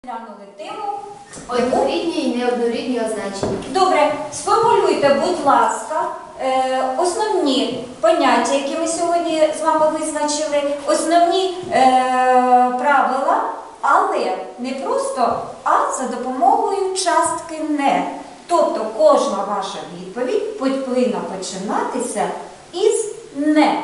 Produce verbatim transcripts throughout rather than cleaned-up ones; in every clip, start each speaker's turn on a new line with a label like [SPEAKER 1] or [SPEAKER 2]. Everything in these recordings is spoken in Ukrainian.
[SPEAKER 1] Глянули тему.
[SPEAKER 2] Однорідні і неоднорідні означення.
[SPEAKER 1] Добре, сформулюйте, будь ласка, е, основні поняття, які ми сьогодні з вами визначили, основні е, правила, але не просто а за допомогою частки не. Тобто кожна ваша відповідь повинна починатися із не.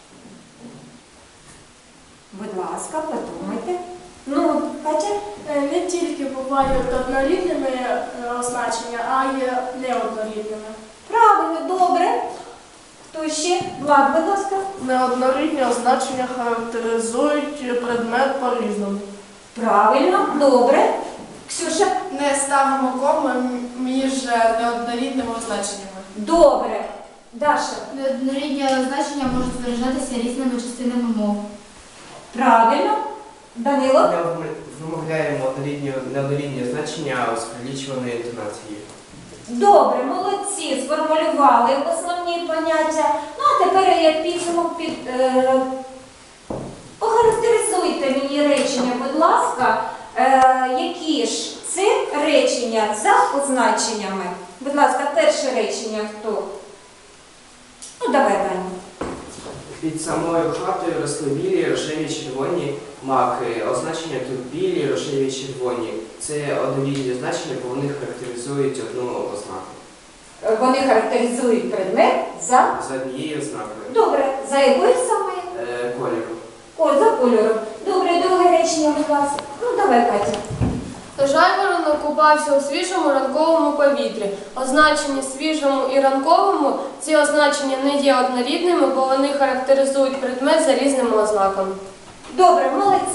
[SPEAKER 1] Будь ласка, подумайте. Ну, Катя?
[SPEAKER 3] Не тільки бувають однорідними е, означення, а й неоднорідними.
[SPEAKER 1] Правильно, добре. Хто ще? Влад, будь ласка.
[SPEAKER 3] Неоднорідні означення характеризують предмет по-різному.
[SPEAKER 1] Правильно, добре. Ксюша?
[SPEAKER 4] Не ставимо кому між неоднорідними означеннями.
[SPEAKER 1] Добре. Даша?
[SPEAKER 2] Неоднорідні означення можуть виражатися різними частинами мов.
[SPEAKER 1] Правильно. Данило?
[SPEAKER 5] Ми вимовляємо однорідні, неоднорідні значення з прилічуваною інтонацією.
[SPEAKER 1] Добре, молодці, сформулювали основні поняття. Ну, а тепер як підсумок під... Е, охарактеризуйте мені речення, будь ласка, е, які ж це речення за означеннями. Будь ласка, перше речення хто? Ну, давай, Даня.
[SPEAKER 5] Під самою хатою росли білі, рожеві, червоні маки. Означення тут білі, рожеві, червоні. Це однорідні значення, бо вони характеризують одну ознаку.
[SPEAKER 1] Вони характеризують предмет за...
[SPEAKER 5] За однією ознакою.
[SPEAKER 1] Добре, за якою саме?
[SPEAKER 5] Е, кольору.
[SPEAKER 1] О, за кольором. Добре, друге речення, будь ласка. Ну, давай, Катя.
[SPEAKER 6] Жайворонок купався у свіжому ранковому повітрі. Означення свіжому і ранковому ці означення не є однорідними, бо вони характеризують предмет за різними ознаками.
[SPEAKER 1] Добре, молодці.